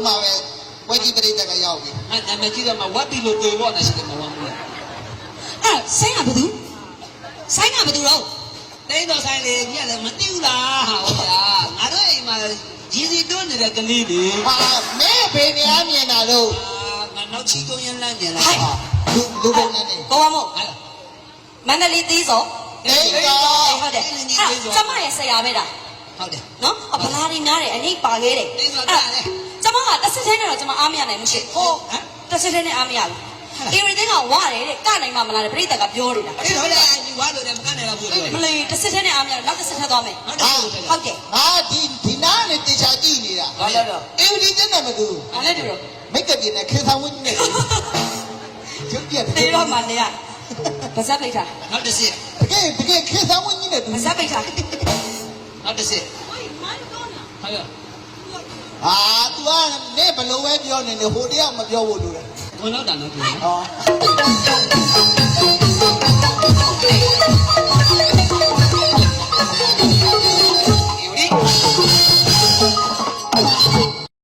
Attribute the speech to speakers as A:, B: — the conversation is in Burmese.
A: မှာပဲဝက်ကြီးပရိသတ်ကရောက်ပြီ
B: အဲ့နာမည်ကြီးတော့မှဝက်ပြီလို့တွေ့လို့နေရှိတယ်မဝမ်းဘူး
C: အဲ့ဆိုင်ကဘသူဆိုင်ကဘသူတော့
B: တိတ်တော့ဆိုင်လေညက်လည်းမသိဘူးလားဟာဟုတ်လားငါတို့အိမ်မှာရည်စီတွန်းနေတဲ့ကလေးတွေ
A: ဟာမဲဖေနေအမြင်တာလို့
B: ငါနောက်ချီတွန်းရင်လန့်ကျင်လာ
A: လူပုံနဲ့နေ
C: ကိုဝမို့မန္တလေးသီးစော
A: အေးတော့
C: ဟုတ်တယ်ကျမရဲ့ဆရာပဲတာ
B: ဟုတ်တယ်
C: နော်ဗလာရီများတယ်အနိပ်ပါခဲ့တယ်
B: တိတ်တော့တာလေ
C: ကျမကတစ်စက်သေးနဲ့တော့ကျမအားမရနိုင်ဘူးရှင့်ဟုတ်တစ်စက်သေးနဲ့အားမရဘူးအေရီသိန်းကဝရတယ်တဲ့ကနိုင်မှမလားတဲ့ပြိတ္တကပြောနေတာ
B: အေးဟုတ်တယ်ညီဝါလို့လည်းမကနိုင်တော့ဘူး
C: မလေးတစ်စက်သေးနဲ့အားမရနောက်တစ်စက်ထပ်သွားမယ်
B: ဟုတ်တယ်
A: ဟာဒီနားနဲ့တေချာကြည့်နေတာ
B: ဘာလို့တော့
A: အေးဒီတဲ့နဲ့မကူ
C: ဘာလဲတူတော့
A: မိတ်ကပြင်းနဲ့ခေဆောင်ဝင်းနဲ့ကျုပ်ပြတ်
C: တေးတော့မှနေရဗဇက်ပိတ်ထား
B: နောက်တစ်စစ်
A: တကယ်ခေဆောင်ဝင်းနဲ့
C: ဗဇက်ပိတ်ထား
B: နောက်တစ်စစ်ဟုတ်ရ
A: ဟာ तू ကနေဘလို့ပဲပြောနေတယ်ဟိုတယောက်မပြောဘူးလို့လေ
B: ဘုံတော့တာနော်သူ
A: ဟော